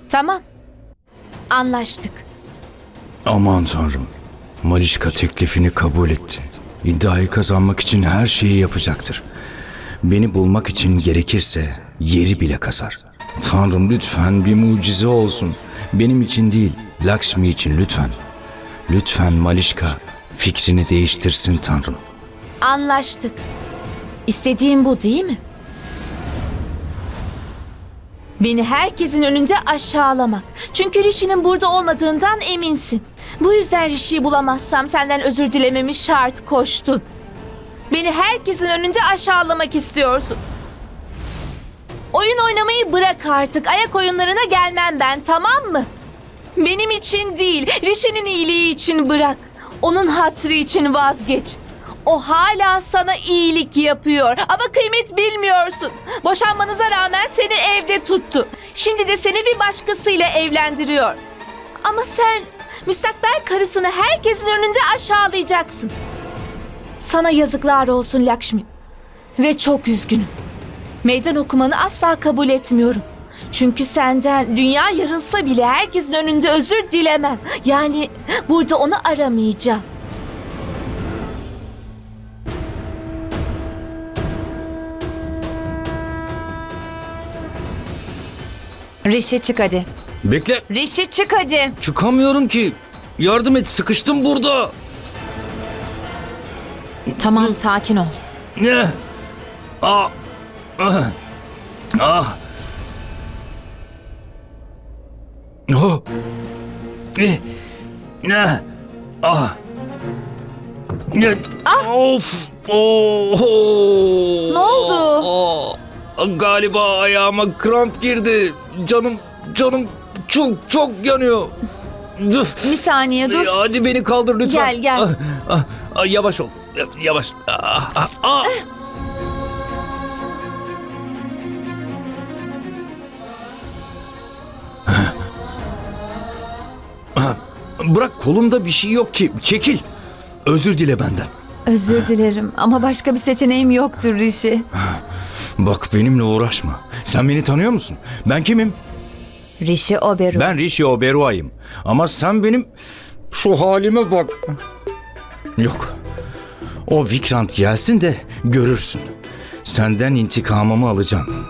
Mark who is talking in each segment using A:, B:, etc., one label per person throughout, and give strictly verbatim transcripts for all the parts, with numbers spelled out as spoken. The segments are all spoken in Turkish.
A: Tamam. Anlaştık.
B: Aman tanrım. Malişka teklifini kabul etti. İddiayı kazanmak için her şeyi yapacaktır. Beni bulmak için gerekirse yeri bile kazar. Tanrım lütfen bir mucize olsun. Benim için değil, Lakshmi için lütfen. Lütfen Malişka fikrini değiştirsin Tanrım.
A: Anlaştık. İstediğin bu değil mi? Beni herkesin önünde aşağılamak. Çünkü Rishi'nin burada olmadığından eminsin. Bu yüzden Rishi'yi bulamazsam senden özür dilememi şart koştun. Beni herkesin önünde aşağılamak istiyorsun. Oyun oynamayı bırak artık. Ayak oyunlarına gelmem ben, tamam mı? Benim için değil, Rishi'nin iyiliği için bırak. Onun hatırı için vazgeç. O hala sana iyilik yapıyor ama kıymet bilmiyorsun. Boşanmanıza rağmen seni evde tuttu. Şimdi de seni bir başkasıyla evlendiriyor. Ama sen müstakbel karısını herkesin önünde aşağılayacaksın. Sana yazıklar olsun Lakshmi. Ve çok üzgünüm. Meydan okumanı asla kabul etmiyorum. Çünkü senden dünya yarılsa bile herkesin önünde özür dilemem. Yani burada onu aramayacağım.
C: Rishi çık hadi.
B: Bekle,
C: Rishi çık hadi.
B: çıkamıyorum ki. Yardım et, sıkıştım burada.
C: Tamam sakin ol.
B: Ne? Ah. Ah. Ah. Oh. Ne? Ne? Ah. Ne? Of. Oh.
C: Ne oldu?
B: Oh. Galiba ayağıma kramp girdi. Canım, canım çok çok yanıyor. Üf.
C: Bir saniye dur.
B: Hadi beni kaldır lütfen.
C: Gel, gel.
B: Ah, ah, ah, yavaş ol. Yavaş. Ah, ah, ah. Ah, Bırak, kolumda bir şey yok ki. Çekil. Özür dile benden.
C: Özür dilerim ama başka bir seçeneğim yoktur Rishi.
B: Bak, benimle uğraşma. Sen beni tanıyor musun? Ben kimim?
C: Rishi Oberoi.
B: Ben Rishi Oberoi'yim. Ama sen benim şu halime bak. Yok. O Vikrant gelsin de görürsün. Senden intikamımı alacağım.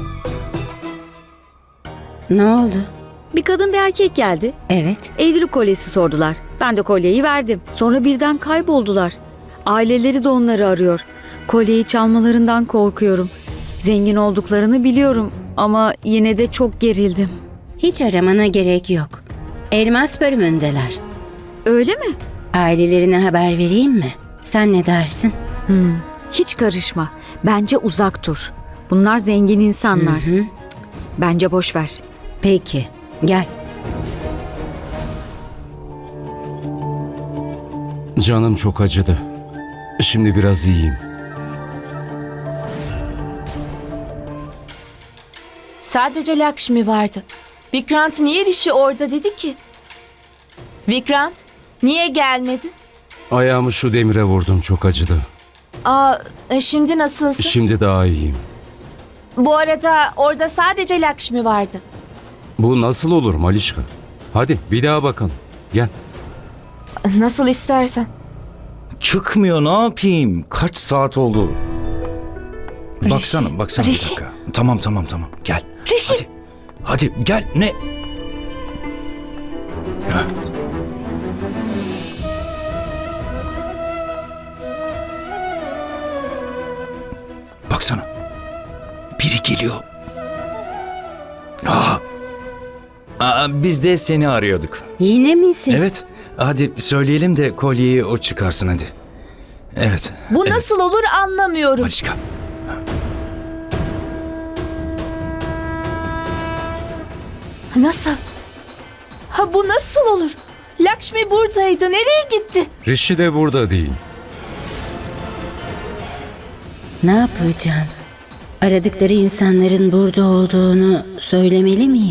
D: Ne oldu?
E: Bir kadın bir erkek geldi.
D: Evet.
E: Evlilik kolyesi sordular. Ben de kolyeyi verdim. Sonra birden kayboldular. Aileleri de onları arıyor. Kolyeyi çalmalarından korkuyorum. Zengin olduklarını biliyorum ama yine de çok gerildim.
D: Hiç aramana gerek yok. Elmas bölümündeler.
E: Öyle mi?
D: Ailelerine haber vereyim mi? Sen ne dersin?
E: Hmm. Hiç karışma. Bence uzak dur. Bunlar zengin insanlar.
D: Hı hı.
E: Bence boş ver.
D: Peki. Gel.
F: Canım çok acıdı. Şimdi biraz iyiyim.
A: Sadece Lakshmi vardı. Vikrant niye Rishi orada dedi ki? Vikrant, niye gelmedin?
F: Ayağımı şu demire vurdum, çok acıdı.
A: Aa, e, şimdi nasılsın?
F: Şimdi daha iyiyim.
A: Bu arada orada sadece Lakshmi vardı.
F: Bu nasıl olur Malişka? Hadi bir daha bakalım. Gel.
A: Nasıl istersen.
B: Çıkmıyor, ne yapayım? Kaç saat oldu? Baksana, baksana bir
A: Rishi.
B: dakika. Tamam, tamam, tamam. Gel.
A: Rishi.
B: Hadi. Hadi gel. Ne? Ha. Baksana. Biri geliyor. Aa. Aa, biz de seni arıyorduk.
D: Yine mi siz?
B: Evet. Hadi söyleyelim de kolyeyi o çıkarsın hadi. Evet.
A: Bu
B: evet.
A: nasıl olur anlamıyorum.
B: Malişka.
A: Nasıl? Ha bu nasıl olur? Lakshmi buradaydı. Nereye gitti?
F: Rishi de burada değil.
D: Ne yapacağım? Aradıkları insanların burada olduğunu söylemeli miyim?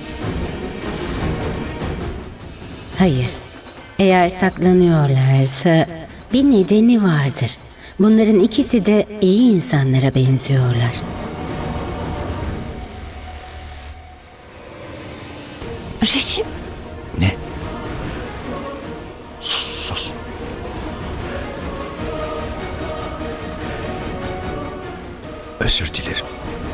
D: Hayır. Eğer saklanıyorlarsa bir nedeni vardır. Bunların ikisi de iyi insanlara benziyorlar.
C: Rişi,
B: Ne? Sus sus. Özür dilerim.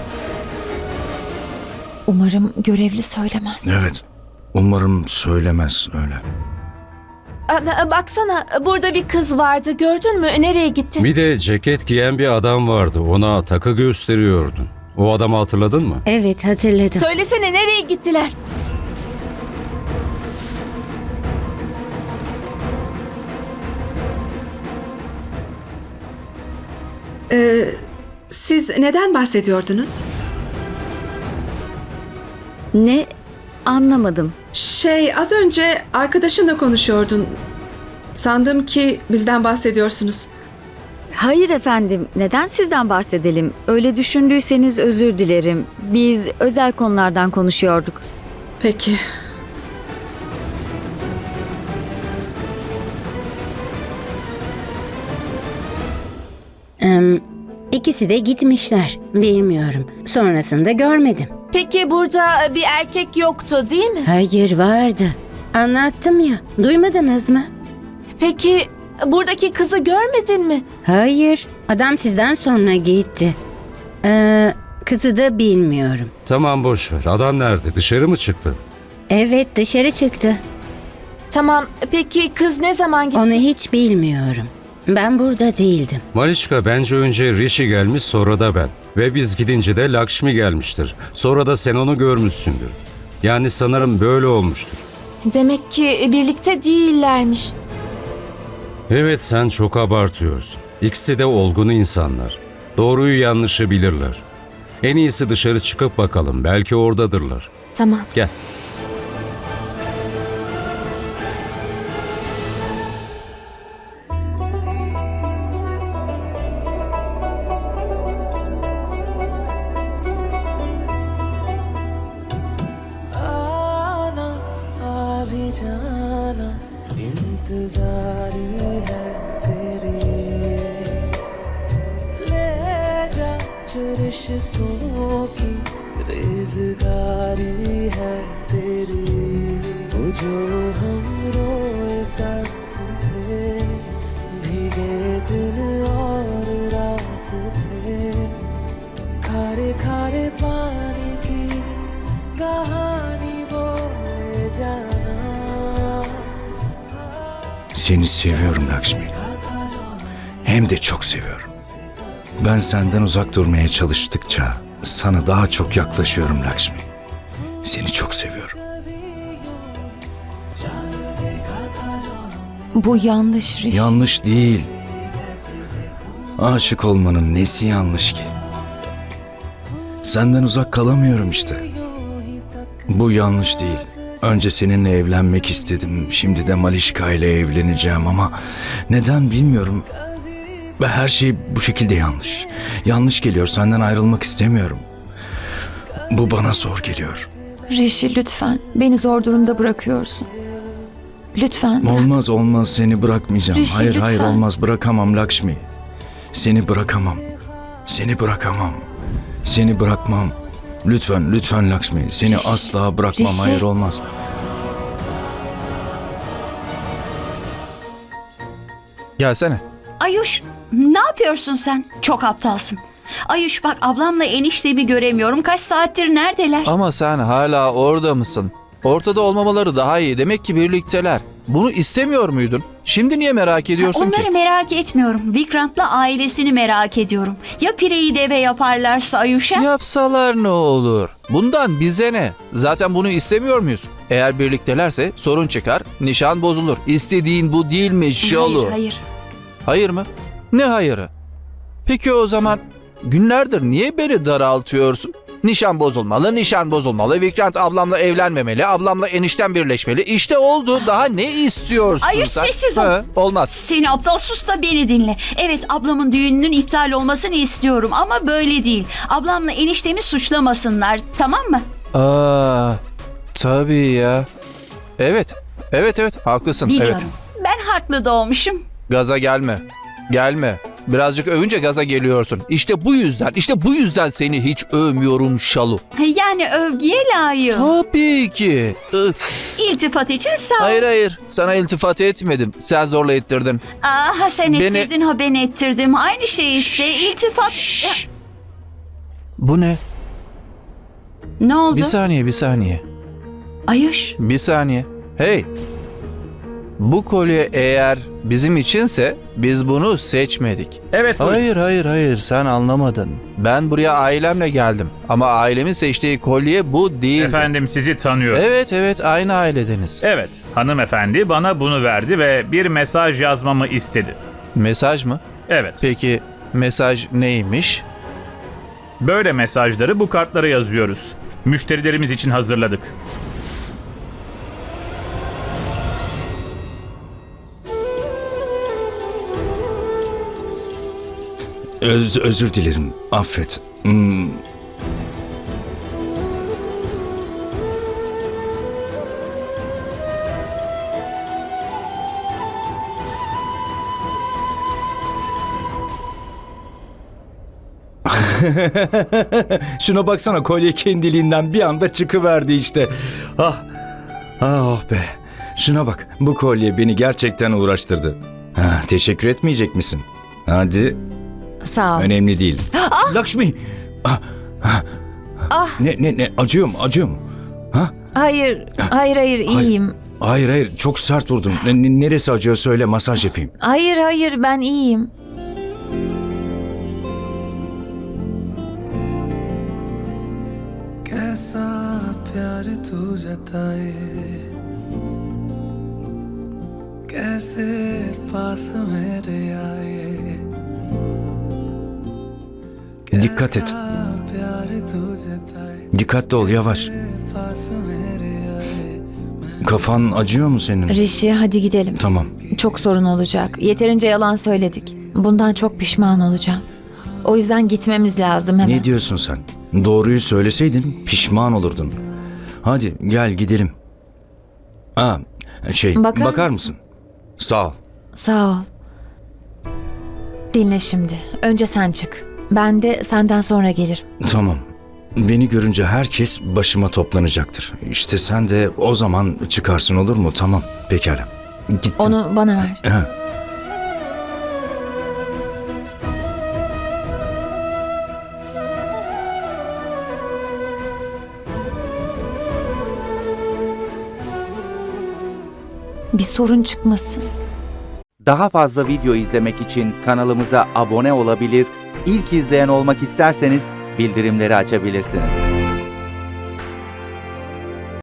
C: umarım görevli söylemez.
B: Evet. Umarım söylemez öyle.
A: Aa, baksana burada bir kız vardı, gördün mü? Nereye gitti?
F: Bir de ceket giyen bir adam vardı. Ona takı gösteriyordun. O adamı hatırladın mı?
D: Evet, hatırladım.
A: Söylesene, nereye gittiler?
G: Siz neden bahsediyordunuz?
E: Ne? Anlamadım.
G: Şey, az önce arkadaşınla konuşuyordun. Sandım ki bizden bahsediyorsunuz.
E: Hayır efendim, neden sizden bahsedelim? Öyle düşündüyseniz özür dilerim. Biz özel konulardan konuşuyorduk.
G: Peki.
D: Em, ikisi de gitmişler. Bilmiyorum. Sonrasında görmedim.
A: Peki burada bir erkek yoktu değil mi?
D: Hayır, vardı. Anlattım ya. Duymadınız mı?
A: Peki buradaki kızı görmedin mi?
D: Hayır. Adam sizden sonra gitti. Ee, kızı da bilmiyorum.
F: Tamam boş ver. Adam nerede? Dışarı mı çıktı?
D: Evet, dışarı çıktı.
A: Tamam, peki kız ne zaman gitti?
D: Onu hiç bilmiyorum. Ben burada değildim.
F: Malişka, bence önce Rishi gelmiş, sonra da ben. Ve biz gidince de Lakshmi gelmiştir. Sonra da sen onu görmüşsündür. Yani sanırım böyle olmuştur.
A: Demek ki birlikte değillermiş.
F: Evet, sen çok abartıyorsun. İkisi de olgun insanlar. Doğruyu yanlışı bilirler. En iyisi dışarı çıkıp bakalım. Belki oradadırlar.
A: Tamam.
F: Gel.
H: आना आ भी जाना इंतजारी है तेरी ले जा जो रिश्तों की रेज़गारी है तेरी वो जो हम रोए साथ थे भीगे दिन और रात थे खारे खारे पानी की कहानी वो ले जाना
B: Seni seviyorum Lakshmi. Hem de çok seviyorum. Ben senden uzak durmaya çalıştıkça sana daha çok yaklaşıyorum Lakshmi. Seni çok seviyorum.
C: Bu yanlış Rişi.
B: Yanlış değil. Aşık olmanın nesi yanlış ki? Senden uzak kalamıyorum işte. Bu yanlış değil. Önce seninle evlenmek istedim. Şimdi de Malişka ile evleneceğim ama neden bilmiyorum. Ve her şey bu şekilde yanlış. Yanlış geliyor. Senden ayrılmak istemiyorum. Bu bana zor geliyor.
C: Rişi lütfen, beni zor durumda bırakıyorsun. Lütfen bırak.
B: Olmaz olmaz seni bırakmayacağım.
C: Rishi,
B: hayır hayır
C: lütfen.
B: olmaz bırakamam Lakshmi. Seni bırakamam. Seni bırakamam. Seni bırakmam. Lütfen lütfen Lakshmi. Seni
C: Rishi,
B: asla bırakmam.
C: Rishi.
B: Hayır olmaz.
I: Gelsene.
J: Ayuş, ne yapıyorsun sen? Çok aptalsın. Ayuş bak, ablamla eniştemi göremiyorum. Kaç saattir neredeler?
I: Ama sen hala orada mısın? Ortada olmamaları daha iyi. Demek ki birlikteler. Bunu istemiyor muydun? Şimdi niye merak ediyorsun
J: Onları
I: ki?
J: merak etmiyorum. Vikrant'la ailesini merak ediyorum. Ya pireyi deve yaparlarsa Ayuş'a?
I: Yapsalar ne olur? Bundan bize ne? Zaten bunu istemiyor muyuz? Eğer birliktelerse sorun çıkar, nişan bozulur. İstediğin bu değil mi Şalu?
J: Hayır, hayır.
I: Hayır mı? Ne hayırı? Peki o zaman günlerdir niye beni daraltıyorsun? Nişan bozulmalı, nişan bozulmalı. Vikrant ablamla evlenmemeli, ablamla enişten birleşmeli. İşte oldu. Daha ne istiyorsun
J: Ayuş,
I: sen?
J: sessiz ol.
I: Ha, olmaz.
J: Seni aptal, sus da beni dinle. Evet, ablamın düğününün iptal olmasını istiyorum ama böyle değil. Ablamla eniştemi suçlamasınlar, tamam mı?
I: Aa, tabii ya. Evet, evet evet haklısın.
J: Biliyorum.
I: Evet.
J: Ben haklı doğmuşum.
I: Gaza gelme. Gelme. Birazcık övünce gaza geliyorsun. İşte bu yüzden, işte bu yüzden seni hiç övmüyorum Şalu.
J: Yani övgüye layık.
I: Tabii ki. Ih,
J: İltifat için sağ ol.
I: Hayır hayır, sana iltifat etmedim. Sen zorla ettirdin.
J: Aa, ha sen
I: Beni-
J: ettirdin ha ben ettirdim. Aynı şey işte. İltifat.
I: Şşş. Bu ne?
J: Ne oldu?
I: Bir saniye, bir saniye.
J: Ayuş.
I: Bir saniye. Hey. Bu kolye eğer bizim içinse biz bunu seçmedik.
K: Evet buyurun.
I: Hayır hayır hayır sen anlamadın. Ben buraya ailemle geldim. Ama ailemin seçtiği kolye bu değil.
K: Efendim sizi tanıyorum.
I: Evet evet aynı ailedeniz.
K: Evet, hanımefendi bana bunu verdi ve bir mesaj yazmamı istedi.
I: Mesaj mı?
K: Evet,
I: Peki mesaj neymiş?
K: böyle mesajları bu kartlara yazıyoruz. Müşterilerimiz için hazırladık.
B: Öz, özür dilerim. Affet. Hmm, Şuna baksana, kolye kendiliğinden bir anda çıkıverdi işte. Ah, ah oh be. Şuna bak, bu kolye beni gerçekten uğraştırdı. Ha, teşekkür etmeyecek misin? Hadi,
C: Sağ ol.
B: önemli değil. Lakshmi! Ah, ah,
C: Ah.
B: Ne, ne, ne, acıyor mu, acıyor mu? Ha?
C: Hayır, hayır, hayır, iyiyim.
B: Hayır, hayır, çok sert vurdun. Ne- ne- neresi acıyor söyle, masaj yapayım.
C: Hayır, hayır, ben iyiyim.
H: कैसा प्यार तू जताए कैसे पास मेरे आए
B: Dikkat et,
H: प्यार तू जताए
B: dikkatli ol, yavaş.
H: पास मेरे आए
B: Kafan acıyor mu senin?
C: Rişi, hadi gidelim.
B: Tamam.
C: Çok sorun olacak. Yeterince yalan söyledik. Bundan çok pişman olacağım. O yüzden gitmemiz lazım hemen.
B: Ne diyorsun sen? Doğruyu söyleseydin pişman olurdun. Hadi gel gidelim. Aa, şey,
C: Bakar
B: bakar,
C: mısın?
B: mısın? Sağ ol.
C: Sağ ol. Dinle şimdi. Önce sen çık. Ben de senden sonra gelirim.
B: Tamam. Beni görünce herkes başıma toplanacaktır. İşte sen de o zaman çıkarsın, olur mu? Tamam, pekala. Gittim.
C: Onu bana ver.
B: Ha.
C: Bir sorun çıkmasın.
L: Daha fazla video izlemek için kanalımıza abone olabilir, ilk izleyen olmak isterseniz bildirimleri açabilirsiniz.